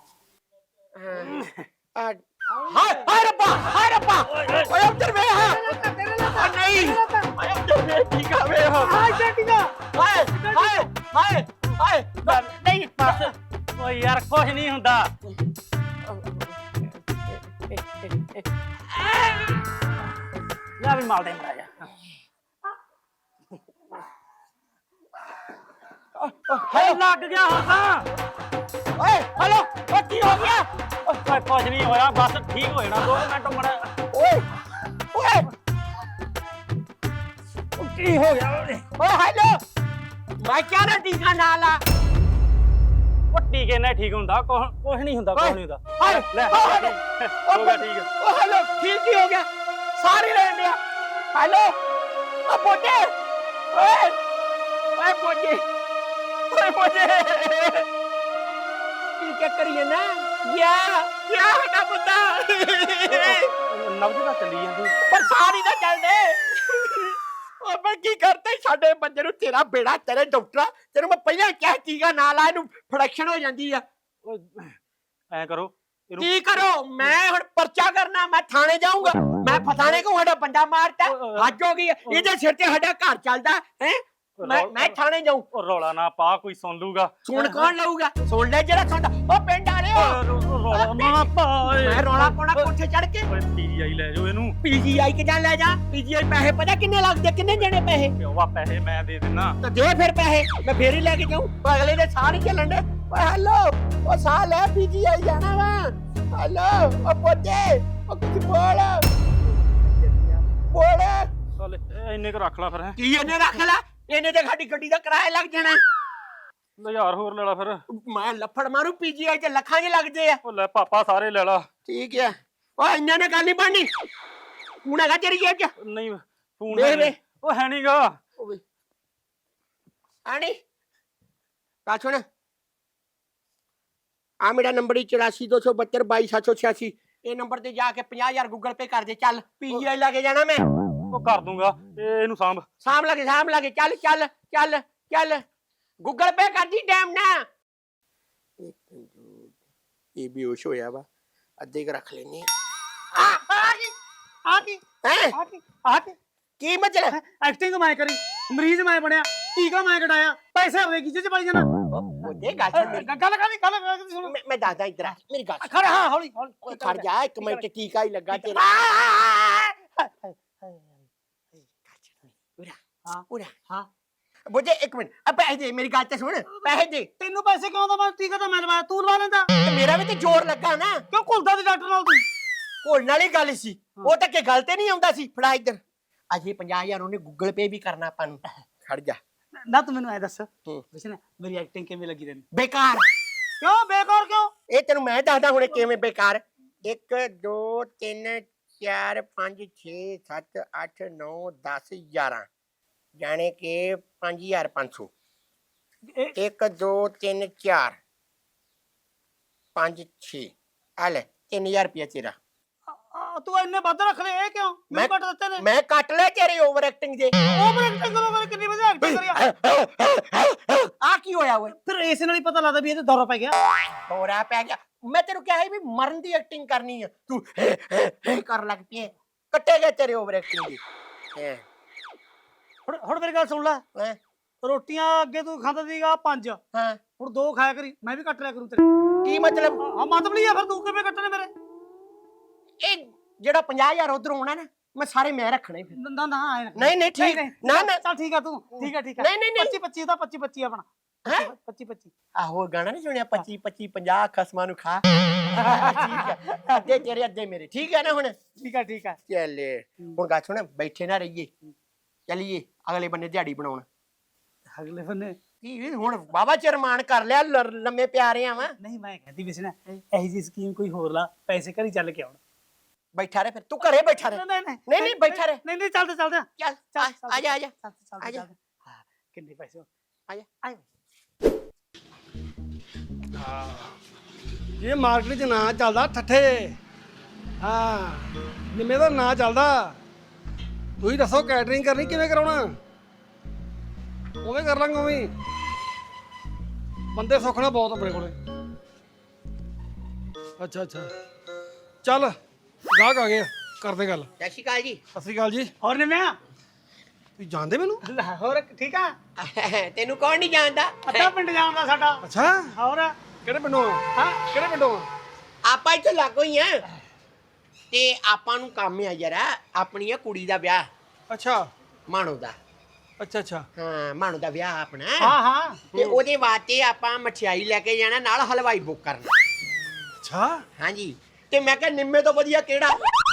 ਹਾਂ ਹਾਏ ਹਾਏ ਰੱਬਾ ਹਾਏ ਰੱਬਾ ਓਏ ਉੱਧਰ ਵੇ ਹਾਂ ਨਹੀਂ ਓਏ ਉੱਧਰ ਵੇ ਠੀਕ ਆ ਵੇ ਹਾਂ ਹਾਏ ਟੀਕਾ ਹਾਏ ਹਾਏ ਹਾਏ ਹਾਏ ਨਹੀਂ ਬਸ ਓਏ ਯਾਰ ਕੁਝ ਨਹੀਂ ਹੁੰਦਾ। ਲੈ ਵੀ ਮਾਲ ਦੇ ਮੜਾ ਜਾ। ਹੈਲੋ ਲੱਗ ਗਿਆ ਹੁਣ ਤਾਂ। ਓਏ ਹੈਲੋ ਓ ਕੀ ਹੋ ਗਿਆ? ਓਏ ਕੁਝ ਨਹੀਂ ਹੋਇਆ, ਬਸ ਠੀਕ ਹੋ ਜਾਣਾ ਦੋ ਮਿੰਟ ਮੜਾ। ਓਏ ਓਏ ਕੀ ਹੋ ਗਿਆ ਓਏ? ਓਏ ਹੈਲੋ ਮੈਂ ਕਿਹਾ ਨਾ ਟੀਕਾ ਨਾ ਲਾ। ਉਹ ਟੀਕੇ ਨਾਲ ਠੀਕ ਹੁੰਦਾ, ਕੁਝ ਨਹੀਂ ਹੁੰਦਾ, ਕੁਝ ਨਹੀਂ ਹੁੰਦਾ। ਹਾਏ ਲੈ ਓ ਹੈਲੋ ਹੋ ਗਿਆ ਠੀਕ ਹੈ। ਓ ਹੈਲੋ ਠੀਕ ਹੀ ਹੋ ਗਿਆ, ਸਾਰੇ ਲੈਣ ਲਿਆ। ਹੈਲੋ ਓ ਪੋਟੇ ਓਏ ਓਏ ਪੋਟੇ ਓਏ ਪੋਟੇ ਕੀ ਕੀ ਕਰੀਏ ਨਾ ਯਾ ਯਾ ਨਾ ਬੰਦਾ ਨਬਜ ਤਾਂ ਚੱਲੀ ਜਾਂਦੀ। ਪਰ ਸਾਰੀ ਨਾ ਚੱਲਦੇ। ਓ ਮੈਂ ਕੀ ਕਰਤਾ ਸਾਡੇ ਬੰਦੇ ਨੂੰ, ਤੇਰਾ ਬੇੜਾ ਤੇਰੇ ਡਾਕਟਰ ਤੈਨੂੰ ਮੈਂ ਪਹਿਲਾਂ ਕਿਹਾ ਟੀਕਾ ਨਾ ਲਾ, ਇਹਨੂੰ ਫੜੈਕਸ਼ਨ ਹੋ ਜਾਂਦੀ ਆ। ਓਏ ਐ ਕਰੋ ਇਹਨੂੰ। ਕੀ ਕਰੋ? ਮੈਂ ਹੁਣ ਪਰਚਾ ਕਰਨਾ, ਮੈਂ ਥਾਣੇ ਜਾਊਂਗਾ। ਮੈਂ ਫਸਾਣੇ ਕੋ ਸਾਡਾ ਬੰਦਾ ਮਾਰਤਾ, ਹੱਜ ਹੋ ਗਈ। ਇਹਦੇ ਸਿਰ ਤੇ ਸਾਡਾ ਘਰ ਚੱਲਦਾ ਹੈ। ਮੈਂ ਮੈਂ ਥਾਣੇ ਜਾਊਂ। ਉਹ ਰੌਲਾ ਨਾ ਪਾ, ਕੋਈ ਸੁਣ ਲੂਗਾ। ਸੁਣ ਕੌਣ ਲਊਗਾ? ਸੁਣ ਲੈ ਜਿਹੜਾ ਸੁਣਦਾ। ਉਹ ਪਿੰਡ ਆ ਰਹੇ ਹੋ। ਰੌਲਾ ਨਾ ਪਾ ਓਏ। ਮੈਂ ਰੌਲਾ ਪਾਉਣਾ ਕੋਠੇ ਚੜ ਕੇ। ਓਏ ਪੀਜੀਆਈ ਲੈ ਜਾਓ ਇਹਨੂੰ। ਪੀਜੀਆਈ ਕਿਦਾਂ ਲੈ ਜਾ? ਪੀਜੀਆਈ ਪੈਸੇ ਪਤਾ ਕਿੰਨੇ ਲੱਗਦੇ? ਕਿੰਨੇ ਦੇਣੇ ਪੈਸੇ? ਪਿਓਵਾ ਪੈਸੇ ਮੈਂ ਦੇ ਦਿੰਨਾ। ਤਾਂ ਦੇ ਫਿਰ ਪੈਸੇ, ਮੈਂ ਫੇਰ ਹੀ ਲੈ ਕੇ ਜਾਊਂ। ਅਗਲੇ ਦੇ ਸਾਹ ਨਹੀਂ ਚੱਲਣ ਦੇ। ਓਏ ਹੈਲੋ ਉਹ ਸਾਹ ਲੈ, ਪੀਜੀਆਈ ਜਾਣਾ ਵਾ। ਹੈਲੋ ਉਹ ਪੋਤੇ ਉਹ ਕੁਝ ਬੋਲ ਬੋਲ। ਚੱਲ ਇੰਨੇ ਕੁ ਰੱਖ ਲੈ ਫਿਰ। ਹੈ ਕੀ ਇਹਨੇ ਰੱਖ ਲੈ? ਇਹਨੇ ਤੇ ਸਾਡੀ ਗੱਡੀ ਦਾ ਕਿਰਾਇਆ ਲੱਗ ਜਾਣਾ। ਹਜ਼ਾਰ ਹੋਰ ਲੈ ਲਾ ਫਿਰ। ਮੈਂ ਲੱਫੜ ਮਾਰੂ, ਪੀਜੀਆਈ ਤੇ ਲੱਖਾਂ ਚ ਲੱਗਦੇ ਆ। ਉਹ ਲੈ ਪਾਪਾ ਸਾਰੇ ਲੈ ਲਾ। ਠੀਕ ਹੈ। ਓਏ ਇੰਨਾ ਨੇ ਗੱਲ ਨਹੀਂ ਬਣਨੀ। ਹੁਣ ਹੈਗਾ ਤੇਰੀ ਜੇਬ ਚ? ਨਹੀਂ ਫੋਨ ਵੇ ਵੇ ਉਹ ਹੈ ਨਹੀਂਗਾ। ਆਣੀ ਕਾ ਸੁਣ, ਆ ਮੇਰਾ ਨੰਬਰ ਹੀ ਚੁਰਾਸੀ ਦੋ ਸੌ ਬਹੱਤਰ ਬਾਈ ਸੱਤ ਸੌ ਛਿਆਸੀ। ਇਹ ਨੰਬਰ ਤੇ ਜਾ ਕੇ ਪੰਜਾਹ ਹਜ਼ਾਰ ਗੂਗਲ ਪੇ ਕਰ ਦੇ। ਚੱਲ ਪੀਜੀਆਈ ਲਾ ਕੇ ਜਾਣਾ ਮੈਂ। ਉਹ ਕਰ ਦੂੰਗਾ, ਇਹ ਇਹਨੂੰ ਸਾਂਭ। ਸਾਂਭ ਲਾਗੇ ਸਾਂਭ ਲਾਗੇ। ਚੱਲ ਚੱਲ ਚੱਲ ਚੱਲ ਗੂਗਲ ਪੇ ਕਰ ਦੀ ਟਾਈਮ ਨਾ। ਇਹ ਬੇਹੋਸ਼ ਹੋਇਆ ਵਾ। ਅੱਧੇ ਕ ਰੱਖ ਲੈਨੇ ਆ ਆ ਕੀ ਆ ਕੀ ਹੈ ਆ ਕੀ ਆ ਕੀ ਕੀ ਮਤਲਬ ਐਕਟਿੰਗ ਮੈਂ ਕਰੀ ਮਰੀਜ਼ ਮੈਂ ਬਣਿਆ ਟੀਕਾ ਮੈਂ ਕਢਾਇਆ ਪੈਸੇ ਆਪਣੇ ਕੀ ਚ ਪਾਈ ਜਾਣਾ ਉਹਦੇ ਗੱਲ ਸੁਣ ਮੇਰੀ ਗੱਲ ਕਰੀ ਗੱਲ ਕਰੀ ਸੁਣ ਮੈਂ- ਮੈਂ ਦੱਸਦਾ ਇੱਧਰ ਆ, ਮੇਰੀ ਗੱਲ ਸੁਣ। ਖੜ ਹਾਂ ਹੌਲੀ ਹੌਲੀ ਓਏ ਖੜ ਜਾ ਇੱਕ ਮਿੰਟ ਟੀਕਾ ਹੀ ਲੱਗਾ ਤੇਰਾ ਉਰਾ ਹਾਂ ਉਰਾ ਹਾਂ ਬੁੱਝੇ ਇੱਕ ਮਿੰਟ ਆ ਪੈਸੇ ਦੇ ਮੇਰੀ ਗੱਲ ਤੇ ਸੁਣ ਪੈਸੇ ਦੇ ਤੈਨੂੰ ਪੈਸੇ ਕਿਉਂ ਦਵਾਂ ਟੀਕਾ ਤਾਂ ਮੈਂ ਲਵਾਇਆ ਤੂੰ ਲਵਾ ਲੈਂਦਾ ਤੇ ਮੇਰਾ ਵੀ ਤੇ ਜ਼ੋਰ ਲੱਗਾ ਨਾ ਕਿਉਂ ਘੁਲਦਾ ਤੇ ਡਾਕਟਰ ਨਾਲ ਤੂੰ ਘੋਲਣ ਵਾਲੀ ਗੱਲ ਸੀ ਉਹ ਤਾਂ ਕਿ ਗੱਲ ਤੇ ਨਹੀਂ ਆਉਂਦਾ ਸੀ ਫੜਾ ਇੱਧਰ ਅਜੇ ਪੰਜਾਹ ਹਜ਼ਾਰ ਉਹਨੇ ਗੂਗਲ ਪੇ ਵੀ ਕਰਨਾ ਆਪਾਂ ਨੂੰ ਖੜ ਜਾ ਨਾ ਤੂੰ ਮੈਨੂੰ ਐ ਦੱਸ ਹੂੰ। ਵਿਸ਼ਨ ਮੇਰੀ ਐਕਟਿੰਗ ਕਿਵੇਂ ਲੱਗੀ ਤੈਨੂੰ ਬੇਕਾਰ ਕਿਉਂ ਬੇਕਾਰ ਕਿਉਂ ਇਹ ਤੈਨੂੰ ਮੈਂ ਦੱਸਦਾ ਹੁਣੇ ਕਿਵੇਂ ਬੇਕਾਰ ਇੱਕ ਦੋ ਤਿੰਨ ਚਾਰ ਪੰਜ ਛੇ ਸੱਤ ਅੱਠ ਨੌ ਦਸ ਗਿਆਰਾਂ ਜਾਣੇ ਕਿ ਪੰਜ ਹਜ਼ਾਰ ਪੰਜ ਸੌ ਇਹ ਇੱਕ ਦੋ ਤਿੰਨ ਚਾਰ ਪੰਜ ਛੇ ਆ ਲੈ ਤਿੰਨ ਹਜ਼ਾਰ ਰੁਪਇਆ ਤੇਰਾ ਆ, ਤੂੰ ਇੰਨੇ ਵੱਧ ਰੱਖ ਲਏ ਇਹ ਕਿਉਂ ਮੈਂ- ਮੈਨੂੰ ਕੱਟ ਦਿੱਤੇ ਨੇ ਮੈਂ ਕੱਟ ਲਿਆ ਤੇਰੇ ਓਵਰ ਐਕਟਿੰਗ ਦੇ ਓਵਰ ਐਕਟਿੰਗ ਕਰੋ ਕਰ ਕਿੰਨੀ ਵਧੀਆ ਐਕਟਿੰਗ ਕਰੀ ਆ। ਆ ਕੀ ਹੋਇਆ ਓਏ ਫਿਰ ਇਸ ਨਾਲ ਹੀ ਪਤਾ ਲੱਗਦਾ ਵੀ ਇਹ ਤੇ ਦੌਰਾ ਪੈ ਗਿਆ ਹੋਰਾ ਪੈ ਗਿਆ ਮੈਂ ਤੈਨੂੰ ਕਿਹਾ ਸੀ ਵੀ ਮਰਨ ਦੀ ਐਕਟਿੰਗ ਕਰਨੀ ਆ ਤੂੰ ਕਰ ਲੱਗ ਪਈ ਹੈ। ਕੱਟੇ ਗਏ ਤੇਰੇ ਓਵਰ ਐਕਟਿੰਗ ਦੀ ਹੈਂ, ਹੁਣ ਹੁਣ ਮੇਰੀ ਗੱਲ ਸੁਣ ਲੈ ਹੈਂ, ਰੋਟੀਆਂ ਅੱਗੇ ਤੂੰ ਖਾਂਦਾ ਸੀਗਾ ਪੰਜ ਹਾਂ ਹੁਣ ਦੋ ਖਾਇਆ ਕਰੀ ਮੈਂ ਵੀ ਕੱਟ ਲਿਆ ਕਰੂੰ ਤੇਰੇ ਕੀ ਮਤਲਬ ਹਾਂ ਮਤਲਬ ਨਹੀਂ ਆ ਫਿਰ ਤੂੰ ਕਿਵੇਂ ਕੱਟਣੇ ਮੇਰੇ ਇਹ ਜਿਹੜਾ ਪੰਜਾਹ ਹਜ਼ਾਰ ਉਧਰੋਂ ਆਉਣਾ ਨਾ ਮੈਂ ਸਾਰੇ ਮੈਂ ਰੱਖਣੇ ਫਿਰ ਨਾ ਨਾ ਆਏ ਨਾ ਨਹੀਂ ਨਹੀਂ ਠੀਕ ਨਾ ਨਾ ਚੱਲ ਠੀਕ ਆ ਤੂੰ ਠੀਕ ਆ ਠੀਕ ਆ ਨਹੀਂ, ਨਹੀਂ, ਨਹੀਂ। ਪੱਚੀ ਪੱਚੀ ਦਾ ਪੱਚੀ ਪੱਚੀ ਆਪਣਾ ਹੈਂ? ਪੱਚੀ ਪੱਚੀ ਆਹੋ ਗਾਣਾ ਨਹੀਂ ਸੁਣਿਆ ਪੱਚੀ ਪੱਚੀ ਪੰਜਾਹ ਖਸਮਾਂ ਨੂੰ ਖਾ ਠੀਕ ਹੈ ਅੱਧੇ ਤੇਰੇ ਅੱਧੇ ਮੇਰੇ ਠੀਕ ਹੈ ਨਾ ਹੁਣ ਠੀਕ ਆ ਠੀਕ ਆ ਚੱਲੇ ਹੁਣ ਗਾ ਸੁਣ ਬੈਠੇ ਨਾ ਰਹੀਏ ਚਲੀਏ ਅਗਲੇ ਬੰਨੇ ਦਿਹਾੜੀ ਬਣਾਉਣ ਅਗਲੇ ਬੰਨੇ ਕੀ ਹੁਣ ਬਾਬਾ ਚਰਮਾਨ ਕਰ ਲਿਆ ਲ- ਲੰਮੇ ਪਿਆਰੇ ਆ ਵਾ ਨਹੀਂ ਮੈਂ ਕਹਿੰਦੀ ਵੀ ਸੀ ਨਾ ਇਹੀ ਜੀ ਸਕੀਮ ਕੋਈ ਹੋਰ ਲਾ ਪੈਸੇ ਘਰੀ ਚੱਲ ਕੇ ਆਉਣ ਬੈਠਾ ਰਹੇ ਫਿਰ ਤੂੰ ਘਰੇ ਬੈਠਾ ਰਹੇ ਨਹੀਂ ਨਹੀਂ ਨਹੀਂ ਨਹੀਂ ਬੈਠਾ ਰਹੇ ਨਹੀਂ ਨਹੀਂ ਚੱਲਦੇ ਚੱਲਦੇ ਚੱਲ ਆ- ਆ ਜਾ ਆ ਜਾ ਚੱਲ ਚੱਲ ਆ ਜਾ। ਹਾਂ ਕਿੰਨੇ ਪੈਸੇ ਆ ਜਾ ਆਏ ਇਹ ਮਾਰਕੀਟ 'ਚ ਨਾਂ ਚੱਲਦਾ ਠੱਠੇ ਹਾਂ ਨਿੰਮੇ ਦਾ ਨਾਂ ਚੱਲਦਾ ਤੁਸੀਂ ਦੱਸੋ ਕੈਟਰਿੰਗ ਕਰਨੀ ਕਿਵੇਂ ਕਰਾਉਣਾ ਉਵੇਂ ਕਰ ਲਾਂਗੇ ਉਵੇਂ ਹੀ। ਬੰਦੇ ਸੁੱਖਣਾ ਬਹੁਤ ਆਪਣੇ ਕੋਲੇ ਅੱਛਾ ਅੱਛਾ ਚੱਲ ਗਾਹਕ ਆ ਗਏ ਆ, ਕਰਦੇ ਗੱਲ ਸਤਿ ਸ਼੍ਰੀ ਅਕਾਲ ਜੀ ਸਤਿ ਸ਼੍ਰੀ ਅਕਾਲ ਜੀ ਹੋਰ ਨੇ ਮੈਂ ਤੁਸੀਂ ਜਾਣਦੇ ਮੈਨੂੰ ਹੋਰ ਠੀਕ ਆ ਤੈਨੂੰ ਕੌਣ ਨਹੀਂ ਜਾਣਦਾ ਅੱਧਾ ਪਿੰਡ ਜਾਣਦਾ ਸਾਡਾ ਅੱਛਾ ਹੋਰ ਕਿਹੜੇ ਪਿੰਡੋਂ ਆ ਹਾਂ ਕਿਹੜੇ ਪਿੰਡੋਂ ਆ ਆਪਾਂ ਇੱਥੇ ਲੱਗੋ ਹੀ ਆ ਤੇ ਆਪਾਂ ਨੂੰ ਕੰਮ ਆ ਜਰਾ ਆਪਣੀ ਆ ਕੁੜੀ ਦਾ ਵਿਆਹ ਅੱਛਾ ਮਾਣੋ ਦਾ ਅੱਛਾ ਅੱਛਾ ਹਾਂ ਮਾਣੋ ਦਾ ਵਿਆਹ ਆਪਣਾ ਹਾਂ ਹਾਂ ਤੇ ਉਹਦੇ ਵਾਸਤੇ ਆਪਾਂ ਮਠਿਆਈ ਲੈ ਕੇ ਜਾਣਾ ਨਾਲ ਹਲਵਾਈ ਬੁੱਕ ਕਰਨਾ ਅੱਛਾ ਹਾਂਜੀ ਤੇ ਮੈਂ ਕਿਹਾ ਨਿੰਮੇ ਤੋਂ ਵਧੀਆ ਕਿਹੜਾ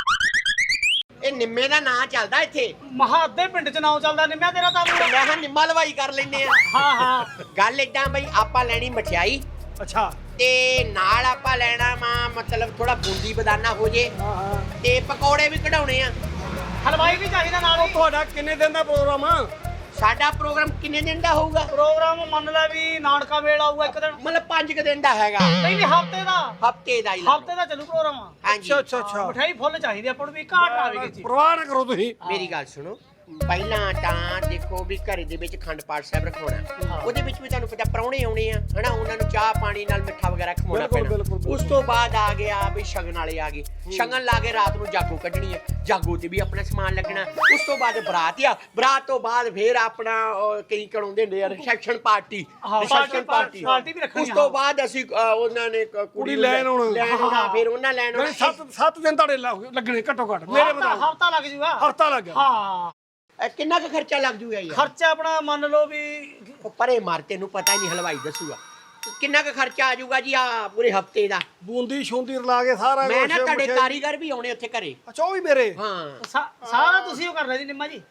ਇਹ ਨਿੰਮੇ ਦਾ ਨਾਂ ਚੱਲਦਾ ਇੱਥੇ ਮਹਾ ਅੱਧੇ ਪਿੰਡ ਚ ਨਾਮ ਚੱਲਦਾ ਨਿੰਮਿਆ ਤੇਰਾ ਤਾਂ ਮੈਂ ਕਿਹਾ ਨਿੰਮਾ ਹਲਵਾਈ ਕਰ ਲੈਨੇ ਆ ਹਾਂ ਹਾਂ ਗੱਲ ਏਦਾਂ ਬਈ ਆਪਾਂ ਲੈਣੀ ਮਠਿਆਈ ਅੱਛਾ ਤੇ ਨਾਲ ਆਪਾਂ ਲੈਣਾ ਵਾ ਮਤਲਬ ਥੋੜਾ ਬੂੰਦੀ ਬਦਾਨਾ ਹੋ ਜੇ ਹਾਂ ਹਾਂ ਤੇ ਪਕੌੜੇ ਵੀ ਕਢਾਉਣੇ ਆ ਹਲਵਾਈ ਵੀ ਚਾਹੀਦਾ ਨਾਲ ਹੀ ਤੁਹਾਡਾ ਕਿੰਨੇ ਦਿਨ ਦਾ ਪ੍ਰੋਗਰਾਮ ਆ ਸਾਡਾ ਪ੍ਰੋਗਰਾਮ ਕਿੰਨੇ ਦਿਨ ਦਾ ਹੋਊਗਾ ਪ੍ਰੋਗਰਾਮ ਮੰਨ ਲੈ ਵੀ ਨਾਨਕਾ ਵੇਲ ਆਊਗਾ ਇੱਕ ਦਿਨ ਮਤਲਬ ਪੰਜ ਕੁ ਦਿਨ ਦਾ ਹੈਗਾ ਨਹੀਂ ਨਹੀਂ ਹਫਤੇ ਦਾ ਹਫਤੇ ਦਾ ਹੀ ਲਾ ਲਓ। ਹਫਤੇ ਦਾ ਚੱਲੂ ਪ੍ਰੋਗਰਾਮ ਹਾਂਜੀ ਅੱਛਾ ਅੱਛਾ ਮਠਾਈ ਫੁੱਲ ਚਾਹੀਦੀ ਆਪਾਂ ਨੂੰ ਵੀ ਘਾਟ ਨਾ ਆਵੇ ਕਿਸੇ ਪਰਵਾਹ ਨਾ ਕਰੋ ਤੁਸੀਂ ਮੇਰੀ ਗੱਲ ਸੁਣੋ ਪਹਿਲਾਂ ਤਾਂ ਦੇਖੋ ਵੀ ਘਰੇ ਦੇ ਵਿੱਚ ਖੰਡ ਪਾਠ ਸਾਹਿਬ ਰਖਾਉਣਾ ਉਹਦੇ ਵਿੱਚ ਵੀ ਤੁਹਾਨੂੰ ਪਤਾ ਪ੍ਰਾਹੁਣੇ ਆਉਣੇ ਆ ਹਨਾ ਉਹਨਾਂ ਨੂੰ ਚਾਹ ਪਾਣੀ ਨਾਲ ਮਿੱਠਾ ਵਗੈਰਾ ਖਵਾਉਣਾ ਬਿਲਕੁਲ, ਪੈਣਾ ਬਿਲਕੁਲ, ਬਿਲਕੁਲ। ਉਸ ਤੋਂ ਬਾਅਦ ਆ ਗਿਆ ਵੀ ਸ਼ਗਨ ਵਾਲੇ ਆ ਗਏ ਸ਼ਗਨ ਲਾ ਕੇ ਰਾਤ ਨੂੰ ਜਾਗੋ ਕੱਢਣੀ ਹੈ ਜਾਗੋ ਤੇ ਵੀ ਆਪਣਾ ਸਮਾਨ ਲੱਗਣਾ ਉਸ ਤੋਂ ਬਾਅਦ ਬਰਾਤ ਆ ਬਰਾਤ ਤੋਂ ਬਾਅਦ ਫੇਰ ਆਪਣਾ ਉਹ ਕਈ ਕਰਾਉਂਦੇ ਹੁੰਦੇ ਆ ਰਿਸੈਪਸ਼ਨ ਪਾਰਟੀ ਹਾਂ, ਰਿਸੈਪਸ਼ਨ ਪਾਰਟੀ- ਪਾਰਟੀ ਪਾਰਟੀ ਵੀ ਰੱਖਣੀ, ਉਸ ਤੋਂ ਹਾਂ। ਬਾਅਦ ਅਸੀਂ ਅ, ਉਹਨਾਂ ਨੇ ਕ- ਕੁੜੀ ਨੂੰ ਲੈਣ ਆਉਣਾ। ਲੈਣ ਆਉਣਾ ਫਿਰ ਉਹਨਾਂ ਲੈਣ ਨਹੀਂ ਆਉਣਾ ਸੱਤ ਸੱਤ ਦਿਨ ਤੁਹਾਡੇ ਲੱਗ- ਲੱਗਣੇ ਘੱਟੋ ਘੱਟ ਮੇਰੇ ਮੁਤਾਬਕ ਹਫਤਾ ਲੱਗ ਜੂਗਾ ਹਫਤਾ ਲੱਗ ਗਿਆ ਹਾਂ ਇਹ ਕਿੰਨਾ ਕੁ ਖਰਚਾ ਲੱਗ ਜੂਗਾ ਯਾਰ ਖਰਚਾ ਆਪਣਾ ਮੰਨ ਲਓ ਵੀ ਉਹ ਪਰੇ ਮਾਰ ਤੈਨੂੰ ਪਤਾ ਹੀ ਨਹੀਂ ਹਲਵਾਈ ਦੱਸੂਗਾ ਕਿੰਨਾ ਕੁ ਖਰਚਾ ਆ ਜਾਊਗਾ ਜੀ ਆ ਪੂਰੇ ਹਫਤੇ ਦਾ ਬੂੰਦੀ ਸ਼ੂੰਦੀ ਰਲਾ ਕੇ ਸਾਰਾ ਮੈਂ ਨਾ ਕੁਛ, ਤੁਹਾਡੇ ਮਠਿਆਈ- ਕਾਰੀਗਰ ਵੀ ਆਉਣੇ ਉੱਥੇ ਘਰੇ ਅੱਛਾ ਉਹ ਵੀ ਮੇਰੇ ਹਾਂ ਸਾ- ਸਾਰਾ ਤੁਸੀਂ ਉਹ ਕਰਨਾ ਜੀ ਨਿੰਮਾ ਜੀ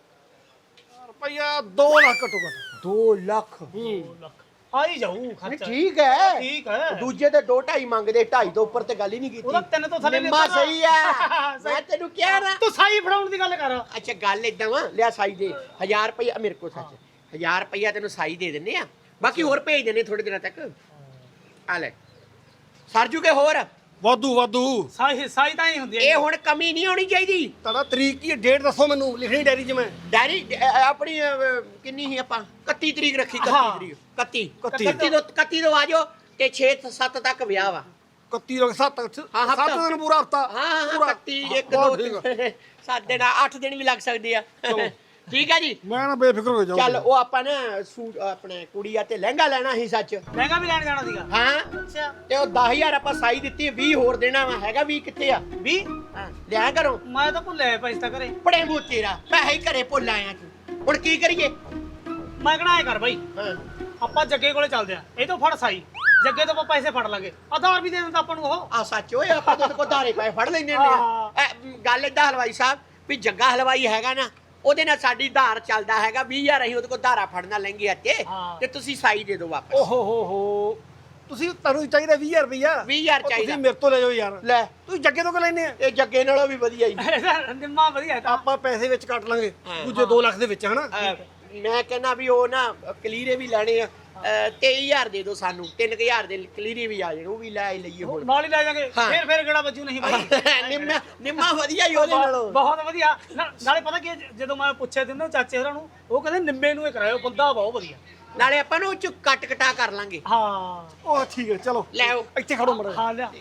ਰੁਪਈਆ ਦੋ ਲੱਖ ਘੱਟੋ ਘੱਟ ਦੋ ਲੱਖ ਆ ਹੀ ਜਾਊ ਖਰਚਾ ਠੀਕ ਹੈ ਠੀਕ ਹੈ ਦੂਜੇ ਤੇ ਦੋ ਢਾਈ ਮੰਗਦੇ ਢਾਈ ਤੋਂ ਉੱਪਰ ਤੇ ਗੱਲ ਹੀ ਨਹੀਂ ਉਹਦਾ ਕੀਤੀ ਤਿੰਨ ਤੋਂ ਥੱਲੇ ਨਹੀਂ ਨਿੰਮਾ ਉਤਰਨਾ। ਸਹੀ ਆ ਮੈਂ ਤੈਨੂੰ ਕਿਹਾ ਨਾ ਤੂੰ ਸਾਈ ਫੜਾਉਣ ਦੀ ਗੱਲ ਕਰ ਅੱਛਾ ਗੱਲ ਏਦਾਂ ਵਾ ਲਿਆ ਸਾਈ ਦੇ ਹਜ਼ਾਰ ਰੁਪਇਆ ਮੇਰੇ ਕੋਲ ਸੱਚ ਹਜ਼ਾਰ ਰੁਪਇਆ ਤੈਨੂੰ ਸਾਈ ਦੇ ਦਿੰਨੇ ਆ ਬਾਕੀ ਹੋਰ ਭੇਜ ਦਿੰਨੇ ਥੋੜੇ ਦਿਨਾਂ ਤੱਕ ਆ ਲੈ ਸਰਜੂ ਕੇ ਹੋਰ ਵਾਧੂ ਵਾਧੂ ਸਾਈ ਸਾਈ ਤਾਂ ਹੀ ਹੁੰਦੀ ਹੈ ਇਹ ਹੁਣ ਕਮੀ ਨਹੀਂ ਹੋਣੀ ਚਾਹੀਦੀ ਤੁਹਾਡਾ ਤਰੀਕ ਕੀ ਹੈ ਡੇਟ ਦੱਸੋ ਮੈਨੂੰ ਲਿਖਣੀ ਡਾਇਰੀ 'ਚ ਮੈਂ ਡੈਰੀ ਅ, ਆਪਣੀ ਅ, ਕਿੰਨੀ ਸੀ ਆਪਾਂ ਇਕੱਤੀ ਤਰੀਕ ਰੱਖੀ ਇਕੱਤੀ ਹਾਂ। ਤਰੀਕ ਇਕੱਤੀ ਇਕੱਤੀ। ਇਕੱਤੀ ਤੋਂ ਇਕੱਤੀ ਤੋਂ ਆ ਜਾਓ ਤੇ ਛੇ ਸੱਤ ਤੱਕ ਵਿਆਹ ਵਾ ਇਕੱਤੀ ਲੋਕ ਸੱਤ ਹਾਂ, ਹਫ਼ਤਾ। ਸੱਤ ਦਿਨ ਪੂਰਾ ਹਫਤਾ ਹਾਂ ਹਾਂ ਪੂਰਾ ਇਕੱਤੀ ਇੱਕ ਬਹੁਤ ਦੋ ਠੀਕ ਆ। ਸੱਤ ਦਿਨ ਅੱਠ ਦਿਨ ਵੀ ਲੱਗ ਸਕਦੇ ਆ ਠੀਕ ਆ ਜੀ। ਮੈਂ ਨਾ ਬੇਫਿਕਰ ਹੋ ਜਾਊਂ ਚੱਲ ਉਹ ਆਪਾਂ ਨਾ ਸੂਟ ਆਪਣੇ ਕੁੜੀ ਆ ਤੇ ਲਹਿੰਗਾ ਲੈਣਾ ਸੀ ਸੱਚ। ਲਹਿੰਗਾ ਵੀ ਲੈਣ ਜਾਣਾ ਸੀਗਾ ਹਾਂ ਅੱਛਾ ਤੇ ਉਹ ਦਸ ਹਜ਼ਾਰ ਆਪਾਂ ਸਾਈ ਦਿੱਤੀ ਵੀਹ ਹੋਰ ਦੇਣਾ ਵਾ ਹੈਗਾ ਵੀਹ ਕਿੱਥੇ ਆ ਵੀ ਹਾਂ ਲਿਆ ਕਰੋ ਮੈਂ ਤਾਂ ਭੁੱਲੇ ਪੈਸੇ ਤਾਂ ਘਰੇ ਬੜੇ ਮੂੰਹ ਤੇਰਾ ਪੈਸੇ ਹੀ ਘਰੇ ਭੁੱਲ ਆਇਆ ਤੂੰ ਹੁਣ ਕੀ ਕਰੀਏ। ਮੈਂ ਕਹਣਾ ਐ ਕਰ ਬਾਈ ਹਾਂ ਆਪਾਂ ਜੱਗੇ ਕੋਲੇ ਚੱਲਦੇ ਆ ਇਹ ਤੋਂ ਫੜ ਸਾਈ ਜੱਗੇ ਤੋਂ ਆਪਾਂ ਪੈਸੇ ਫੜ ਲਾਂਗੇ ਆਧਾਰ ਵੀ ਦੇ ਦਿੰਦਾ ਆਪਾਂ ਨੂੰ ਉਹ ਆ ਸੱਚ ਓਏ ਆਪਾਂ ਤਾਂ ਕੋ ਧਾਰੇ ਪਏ ਫੜ ਲੈਨੇ ਨੇ ਗੱਲ ਏਦਾਂ ਹਲਵਾਈ ਸਾਹਿਬ ਵੀ ਜੱਗਾ ਹਲਵਾਈ ਹੈਗਾ ਨਾ ਉਹਦੇ ਨਾਲ ਸਾਡੀ ਧਾਰ ਚੱਲਦਾ ਹੈਗਾ ਵੀਹ ਹਜ਼ਾਰ ਅਸੀਂ ਉਹਦੇ ਕੋਲ ਧਾਰਾ ਫੜਨਾ ਲੈਂਗੇ ਤੇ ਹਾਂ। ਤੇ ਤੁਸੀਂ ਸਾਈ ਦੇ ਦਿਓ ਵਾਪਸ ਓਹੋ ਹੋ ਹੋ ਤੁਸੀਂ ਤੁਹਾਨੂੰ ਚਾਹੀਦਾ ਵੀਹ ਹਜ਼ਾਰ ਰੁਪਈਆ ਵੀਹ ਹਜ਼ਾਰ ਉਹ ਚਾਹੀਦਾ। ਤੁਸੀਂ ਮੇਰੇ ਤੋਂ ਲੈ ਜਾਓ ਯਾਰ ਲੈ ਤੁਸੀਂ ਜੱਗੇ ਤੋਂ ਕਿ ਲੈਨੇ ਆ ਇਹ ਜੱਗੇ ਨਾਲੋਂ ਵੀ ਵਧੀਆ ਹੀ ਨਿੰਮਾ ਵਧੀਆ ਤਾਂ ਆਪਾਂ ਪੈਸੇ ਵਿੱਚ ਕੱਟ ਲਾਂਗੇ ਹਾਂ। ਦੂਜੇ ਦੋ ਲੱਖ ਦੇ ਵਿੱਚ ਹਨਾ ਅਹ, ਮੈਂ ਕਹਿੰਦਾ ਵੀ ਉਹ ਨਾ ਕਲੀਰੇ ਵੀ ਲੈਣੇ ਆ ਤੇਈ ਹਜ਼ਾਰ ਦੇ ਦਿਓ ਸਾਨੂੰ ਤਿੰਨ ਹਜ਼ਾਰ ਦੇ ਕਲੀਰੇ ਵੀ ਆ ਜਾਣ ਉਹ ਵੀ ਲੈ ਹੀ ਲਈਏ ਹੁਣ ਨਾਲ ਹੀ ਲੈ ਜਾਾਂਗੇ ਹਾਂ। ਫੇਰ ਫੇਰ ਕਿਹੜਾ ਬੱਜੂ ਨਹੀਂ ਬਾਈ ਨਿੰਮਾ ਨਿੰਮਾ ਵਧੀਆ ਹੀ ਉਹਦੇ ਨਾਲੋਂ ਬਹੁਤ ਵਧੀਆ ਨਾ- ਨਾਲੇ ਪਤਾ ਕੀ ਹੈ, ਜ- ਜਦੋਂ ਮੈਂ ਪੁੱਛਿਆ ਤੇ ਨਾ ਚਾਚੇ ਹੋਰਾਂ ਨੂੰ ਉਹ ਕਹਿੰਦੇ ਨਿੰਮੇ ਨੂੰ ਹੀ ਕਰਾਇਓ ਬੰਦਾ ਬਹੁਤ ਵਧੀਆ ਨਾਲੇ ਆਪਾਂ ਨੂੰ ਉਹ ਚ ਕੱਟ ਕਟਾ ਕਰ ਲਾਂਗੇ ਹਾਂ ਉਹ ਠੀਕ ਹੈ ਚਲੋ ਲੈ ਆਓ। ਇੱਥੇ ਖੜੋ ਮੜਾ ਹਾਂ ਲਿਆ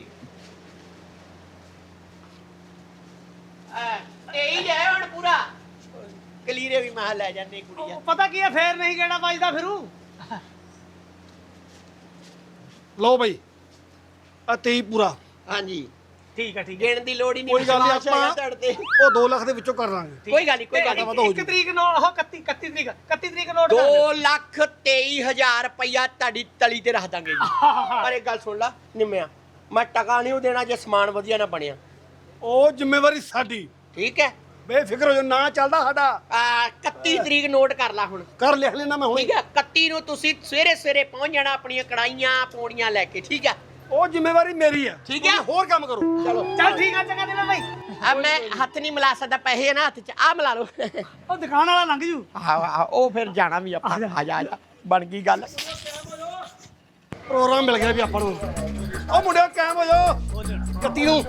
ਤੇਈ ਜਾਏ ਹੁਣ ਪੂਰਾ ਕਲੀਰੇ ਵੀ ਮੈਂ ਲੈ ਜਾਂਦੇ ਕੁੜੀਆਂ ਉਹ ਪਤਾ ਕੀ ਹੈ ਫੇਰ ਨਹੀਂ ਕਿਹੜਾ ਵੱਜਦਾ ਫਿਰੂ ਲਓ ਬਈ ਆ ਤੇਈ ਪੂਰਾ ਹਾਂਜੀ ਠੀਕ ਹੈ ਠੀਕ ਹੈ ਗਿਣ ਦੀ ਲੋੜ ਹੀ ਨਹੀਂ ਕੋਈ ਗੱਲ ਨਹੀਂ ਵਿਸ਼ਵਾਸ ਹੈਗਾ ਆਪਾਂ ਤੁਹਾਡੇ ਤੇ। ਉਹ ਦੋ ਲੱਖ ਦੇ ਵਿੱਚੋਂ ਕਰ ਲਾਂਗੇ ਕੋਈ ਗੱਲ ਨਹੀਂ ਕੋਈ ਗੱਲ ਤੇ ਨਹੀਂ ਇੱਕ ਤਰੀਕ ਨੂੰ ਉਹ ਇਕੱਤੀ ਇਕੱਤੀ ਤਰੀਕ ਇਕੱਤੀ ਤਰੀਕ ਨੋਟ ਕਰ ਦੋ ਲੱਖ ਤੇਈ ਹਜ਼ਾਰ ਰੁਪਇਆ ਤੁਹਾਡੀ ਤਲੀ ਤੇ ਰੱਖ ਦਾਂਗੇ ਜੀ ਪਰ ਇੱਕ ਗੱਲ ਸੁਣ ਲਾ ਨਿੰਮਿਆ ਮੈਂ ਟਕਾ ਨਹੀਂ ਉਹ ਦੇਣਾ ਜੇ ਸਮਾਨ ਵਧੀਆ ਨਾ ਬਣਿਆ ਉਹ ਜ਼ਿੰਮੇਵਾਰੀ ਸਾਡੀ ਠੀਕ ਹੈ ਬੇਫਿਕਰ ਹੋ ਜਾ ਨਾ ਚੱਲਦਾ ਸਾਡਾ ਆ ਇਕੱਤੀ ਤਰੀਕ ਨੋਟ ਕਰ ਲਾ ਹੁਣ ਕਰ ਲਿਖ ਲੈਣਾ ਮੈਂ ਹੁਣੇ ਠੀਕ ਹੈ ਇਕੱਤੀ ਨੂੰ ਤੁਸੀਂ ਸਵੇਰੇ ਸਵੇਰੇ ਪਹੁੰਚ ਜਾਣਾ ਆਪਣੀਆਂ ਕੜਾਈਆਂ ਪੌੜੀਆਂ ਲੈ ਕੇ ਠੀਕ ਹੈ ਉਹ ਜ਼ਿੰਮੇਵਾਰੀ ਮੇਰੀ ਆ ਠੀਕ ਹੈ। ਤੁਸੀਂ ਹੋਰ ਕੰਮ ਕਰੋ ਚਲੋ ਚੱਲ ਠੀਕ ਆ ਚੰਗਾ ਨਿੰਮੇ ਬਾਈ ਆ ਮੈਂ ਹੱਥ ਨਹੀਂ ਮਿਲਾ ਸਕਦਾ ਪੈਸੇ ਨਾ ਹੱਥ 'ਚ ਆ ਮਿਲਾ ਲਓ ਉਹ ਦੁਕਾਨ ਵਾਲਾ ਲੰਘ ਜੂ ਹਾਂ ਹਾਂ ਉਹ ਫਿਰ ਜਾਣਾ ਵੀ ਆਪਾਂ ਆ ਜਾ ਆ ਜਾ ਬਣ ਗਈ ਗੱਲ ਪ੍ਰੋਗਰਾਮ ਮਿਲ ਗਿਆ ਵੀ ਆਪਾਂ ਨੂੰ ਉਹ ਮੁੰਡਿਓ ਕਾਇਮ ਹੋ ਜਾਓ ਕੱਤੀ ਨੂੰ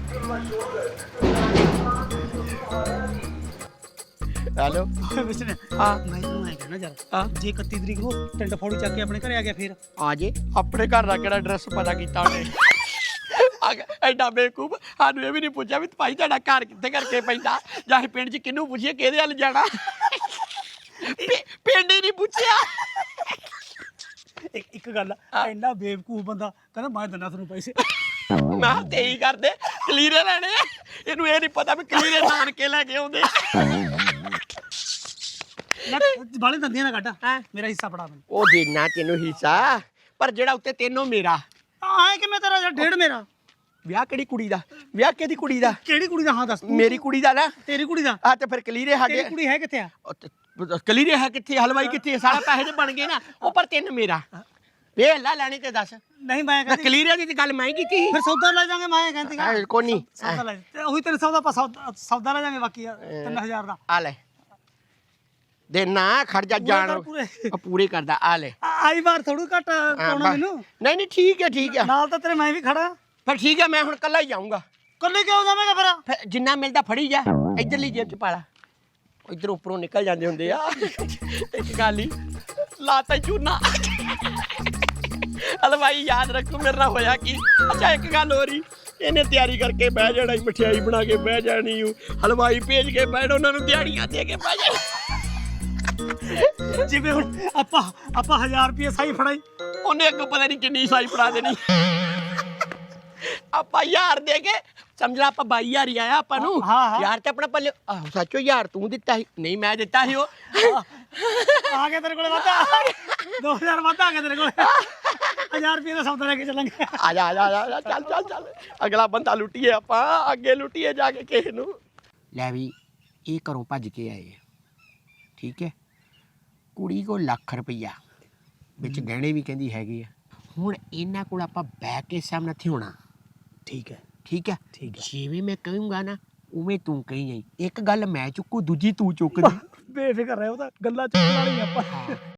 ਹੈਲੋ ਵਿਸ਼ਨੇ ਹਾਂ ਮੈਂ ਤੈਨੂੰ ਐ ਕਹਿਣਾ ਹਾਂ। ਯਾਰ ਜੇ ਇਕੱਤੀ ਤਰੀਕ ਨੂੰ ਟਿੰਡ ਫੋੜੀ ਚੱਕ ਕੇ ਆਪਣੇ ਘਰੇ ਆ ਗਿਆ ਫੇਰ ਆ ਜੇ ਆਪਣੇ ਘਰ ਦਾ ਕਿਹੜਾ ਐਡਰੈਸ ਪਤਾ ਕੀਤਾ ਉਹਨੇ ਆ ਗਿਆ, ਐਡਾ ਬੇਕੂਫ ਸਾਨੂੰ ਇਹ ਵੀ ਨਹੀਂ ਪੁੱਛਿਆ ਵੀ ਭਾਈ ਤੁਹਾਡਾ ਘਰ ਕਿੱਥੇ ਕਰਕੇ ਪੈਂਦਾ ਜਾਂ ਅਸੀਂ ਪਿੰਡ 'ਚ ਕਿਹਨੂੰ ਪੁੱਛੀਏ ਕਿਹਦੇ ਵੱਲ ਜਾਣਾ ਪਿ- ਪਿੰਡ ਹੀ ਨਹੀਂ ਪੁੱਛਿਆ ਇੱਕ ਇੱਕ ਗੱਲ ਆ, ਇੰਨਾ ਬੇਵਕੂਫ ਬੰਦਾ ਕਹਿੰਦਾ ਮੈਂ ਦਿੰਦਾ ਤੁਹਾਨੂੰ ਪੈਸੇ ਮੈਂ ਕਿਹਾ ਤੇ ਹੀ ਕਰਦੇ ਕਲੀਰੇ ਲੈਣੇ ਆ ਇਹਨੂੰ ਇਹ ਨਹੀਂ ਪਤਾ ਵੀ ਕਲੀਰੇ ਨਾਨਕੇ ਲੈ ਕੇ ਆਉਂਦੇ ਨਾ ਬਾਲੇ ਦੰਦੀਆਂ ਨਾ ਕੱਢ ਹੈਂ? ਮੇਰਾ ਹਿੱਸਾ ਫੜਾ ਮੈਨੂੰ ਉਹ ਦੇਣਾ ਤੈਨੂੰ ਹਿੱਸਾ ਪਰ ਜਿਹੜਾ ਉੱਤੇ ਤੈਨੂੰ ਮੇਰਾ ਆਏ ਕਿਵੇਂ ਤੇਰਾ ਯਾਰ ਡੇਢ ਮੇਰਾ ਵਿਆਹ ਕਿਹੜੀ ਕੁੜੀ ਦਾ ਵਿਆਹ ਕਿਹਦੀ ਕੁੜੀ ਦਾ ਕਿਹੜੀ ਕੁੜੀ ਦਾ ਹਾਂ ਦੱਸ ਤੂੰ। ਮੇਰੀ ਕੁੜੀ ਦਾ ਨਾ ਤੇਰੀ ਕੁੜੀ ਦਾ ਆ ਤੇ ਫਿਰ ਕਲੀਰੇ ਸਾਡੇ ਤੇਰੀ ਕੁੜੀ ਹੈ ਕਿੱਥੇ ਆ ਉਹ ਤੇ- ਕਲੀਰੇ ਹੈ ਕਿੱਥੇ ਹਲਵਾਈ ਕਿੱਥੇ ਸਾਰਾ ਪੈਸੇ ਤੇ ਬਣ ਗਏ ਨਾ ਉਹ ਪਰ ਤਿੰਨ ਮੇਰਾ ਵੇ ਲੈ ਲੈਣੀ ਤੇ ਦੱਸ ਨਹੀਂ ਮੈਂ ਕਹਿੰਦੀ ਕਲੀਰੇ ਦੀ ਤੇ ਗੱਲ ਮੈਂ ਹੀ ਕੀਤੀ ਸੀ ਫਿਰ ਸੌਦਾ ਲੈ ਜਾਾਂਗੇ ਮੈਂ ਕਹਿੰਦੀ ਆ, ਕੋਈ ਨਹੀਂ ਸੌਦਾ ਲੈ ਤੇ ਉਹੀ ਤੇਰੇ ਸੌਦਾ ਆਪਾਂ ਸੌਦਾ ਸੌਦਾ ਲੈ ਜਾਾਂਗੇ ਬਾਕੀ ਆ, ਤਿੰਨ ਹਜ਼ਾਰ ਦਾ ਆ ਲੈ ਦੇ ਨਾ ਖੜ ਜਾ ਜਾਣ ਕਰ ਪੂਰੇ। ਆ, ਪੂਰੇ ਕਰਦਾ ਆ ਲੈ ਆ- ਆਈ ਵਾਰ ਥੋੜੂ ਘੱਟ ਹਾਂ, ਪਾਉਣਾ ਬਸ। ਮੈਨੂੰ ਨਹੀਂ ਨਹੀਂ ਠੀਕ ਹੈ ਠੀਕ ਹੈ ਨਾਲ ਤਾਂ ਤੇਰੇ ਮੈਂ ਵੀ ਖੜਾ ਫਿਰ ਠੀਕ ਹੈ ਮੈਂ ਹੁਣ ਕੱਲਾ ਹੀ ਜਾਊਂਗਾ ਕੱਲੇ ਕਿਉਂ ਜਾਵੇਂਗਾ ਫਿਰ ਫਿਰ ਜਿੰਨਾ ਮਿਲਦਾ ਫੜੀ ਜਾ ਇਧਰਲੀ ਜੇਬ ਚ ਪਾ ਲਾ ਇਧਰ ਉੱਪਰੋਂ ਨਿਕਲ ਜਾਂਦੇ ਹੁੰਦੇ ਆ ਇੱਕ ਗੱਲ ਹੀ ਲਾਤਾ ਚੂਨਾ ਹਲਵਾਈ ਯਾਦ ਰੱਖੋ ਮੇਰੇ ਨਾਲ ਹੋਇਆ ਕੀ ਅੱਛਾ ਇੱਕ ਗੱਲ ਹੋ ਰਹੀ ਇਹਨੇ ਤਿਆਰੀ ਕਰਕੇ ਬਹਿ ਜਾਣਾ ਮਠਿਆਈ ਬਣਾ ਕੇ ਬਹਿ ਜਾਣੀ ਊ ਹਲਵਾਈ ਭੇਜ ਕੇ ਬਹਿਣ ਉਹਨਾਂ ਨੂੰ ਦਿਹਾੜੀਆਂ ਦੇ ਕੇ ਬਹਿ ਜਾਣਾ ਜਿਵੇਂ ਹੁਣ ਆਪਾਂ ਆਪਾਂ ਹਜ਼ਾਰ ਰੁਪਏ ਸਾਈ ਫੜਾਈ ਉਹਨੇ ਅੱਗੋਂ ਪਤਾ ਨਹੀਂ ਕਿੰਨੀ ਸਾਈ ਫੜਾ ਦੇਣੀ ਆਪਾਂ ਯਾਰ ਦੇ ਕੇ ਸਮਝ ਲਾ ਆਪਾਂ ਬਾਈ ਹਜ਼ਾਰ ਹੀ ਆਇਆ ਆਪਾਂ ਨੂੰ ਹਾਂ, ਹਾਂ। ਯਾਰ ਤੇ ਆਪਣਾ ਪੱਲੇ ਆਹੋ ਸੱਚੋ ਯਾਰ ਤੂੰ ਦਿੱਤਾ ਸੀ ਨਹੀਂ ਮੈਂ ਦਿੱਤਾ ਸੀ ਉਹ ਆ ਗਿਆ ਤੇਰੇ ਕੋਲੇ ਵਾਧਾ ਦੋ ਹਜ਼ਾਰ ਵਾਧਾ ਆ ਗਿਆ ਤੇਰੇ ਕੋਲੇ ਹਜ਼ਾਰ ਰੁਪਏ ਦਾ ਸੌਦਾ ਲੈ ਕੇ ਚੱਲਾਂਗੇ ਆ ਜਾ ਆ ਜਾ ਆ ਜਾ ਚੱਲ ਚੱਲ ਚੱਲ ਅਗਲਾ ਬੰਦਾ ਲੁੱਟੀਏ ਆਪਾਂ ਅੱਗੇ ਲੁੱਟੀਏ ਜਾ ਕੇ ਕਿਸੇ ਨੂੰ ਲੈ ਵੀ ਇਹ ਘਰੋਂ ਭੱਜ ਕੇ ਆਏ ਆ ਠੀਕ ਹੈ ਕੁੜੀ ਕੋ ਲੱਖ ਰੁਪਈਆ ਵਿੱਚ ਗਹਿਣੇ ਵੀ ਕਹਿੰਦੀ ਹੈਗੇ ਆ ਹੁਣ ਇਹਨਾਂ ਕੋਲ ਆਪਾਂ ਬਹਿ ਕੇ ਸਾਹਮਣੇ ਹੋਣਾ ਠੀਕ ਹੈ ਠੀਕ ਹੈ ਠੀਕ ਹੈ। ਜਿਵੇਂ ਮੈਂ ਕਹੂੰਗਾ ਨਾ ਉਵੇਂ ਤੂੰ ਕਹੀ ਜਾਈ ਇੱਕ ਗੱਲ ਮੈਂ ਚੁੱਕੂ ਦੂਜੀ ਤੂੰ ਚੁੱਕਦੀ ਬੇਫਿਕਰ ਰਹਿ ਉਹ ਤਾਂ ਗੱਲਾਂ ਚੁੱਕਣ ਵਾਲੀ ਆਪਾਂ